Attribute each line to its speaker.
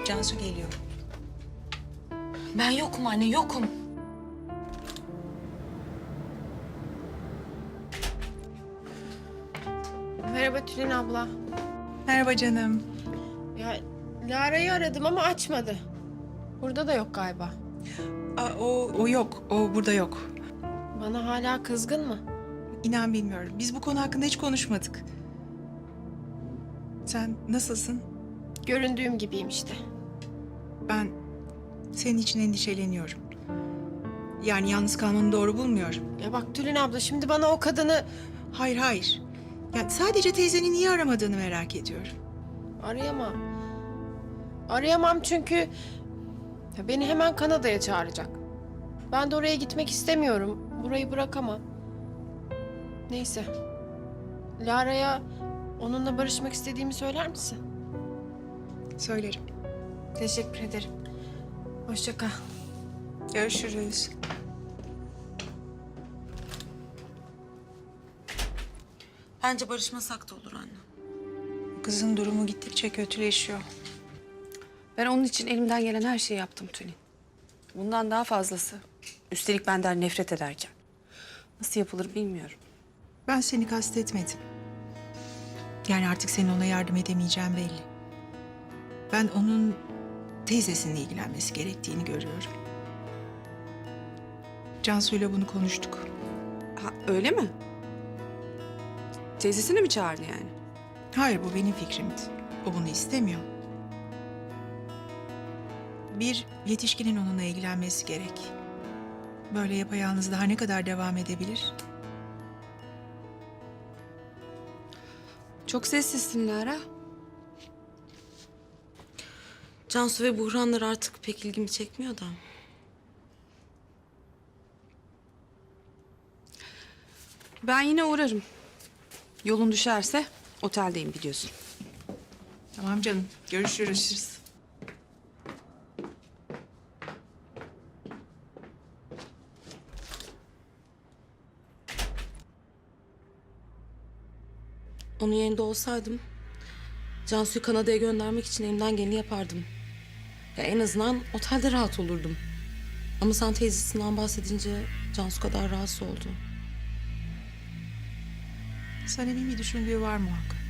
Speaker 1: Cansu geliyor.
Speaker 2: Ben yokum anne, yokum.
Speaker 3: Merhaba Tülin abla.
Speaker 1: Merhaba canım.
Speaker 3: Ya Lara'yı aradım ama açmadı. Burada da yok galiba.
Speaker 1: O yok. O burada yok.
Speaker 3: Bana hala kızgın mı?
Speaker 1: İnan bilmiyorum. Biz bu konu hakkında hiç konuşmadık. Sen nasılsın?
Speaker 3: Göründüğüm gibiyim işte.
Speaker 1: Ben senin için endişeleniyorum. Yani yalnız kalmanı doğru bulmuyorum.
Speaker 3: Ya bak Tülin abla şimdi bana o kadını
Speaker 1: Hayır, hayır. Yani sadece teyzenin niye aramadığını merak ediyorum.
Speaker 3: arayamam. Arayamam çünkü ya beni hemen Kanada'ya çağıracak. Ben de oraya gitmek istemiyorum. Burayı bırakamam. Neyse. Lara'ya onunla barışmak istediğimi söyler misin?
Speaker 1: Söylerim.
Speaker 3: Teşekkür ederim. Hoşça kal.
Speaker 1: Görüşürüz.
Speaker 2: Bence barışmasak da olur anne.
Speaker 1: Kızın durumu gittikçe kötüleşiyor.
Speaker 4: Ben onun için elimden gelen her şeyi yaptım Tülin. Bundan daha fazlası. Üstelik benden nefret ederken. Nasıl yapılır bilmiyorum.
Speaker 1: Ben seni kastetmedim. Yani artık senin ona yardım edemeyeceğim belli. Ben onun teyzesininle ilgilenmesi gerektiğini görüyorum. Cansu'yla bunu konuştuk.
Speaker 4: Ha, öyle mi? Teyzesini mi çağırdı yani?
Speaker 1: Hayır, bu benim fikrimdi. O bunu istemiyor. Bir yetişkinin onunla ilgilenmesi gerek. Böyle yapayalnız daha ne kadar devam edebilir?
Speaker 4: Çok sessizsin Lara.
Speaker 2: Cansu ve buhranlar artık pek ilgimi çekmiyor da.
Speaker 4: Ben yine uğrarım. Yolun düşerse oteldeyim biliyorsun.
Speaker 1: Tamam canım, görüşürüz.
Speaker 2: Onun yerinde olsaydım Cansu'yu Kanada'ya göndermek için elimden geleni yapardım. Ya en azından otelde rahat olurdum. Ama sen teyzesinden bahsedince Cansu kadar rahatsız oldu.
Speaker 1: Sanem'in bir düşündüğü var muhakkak.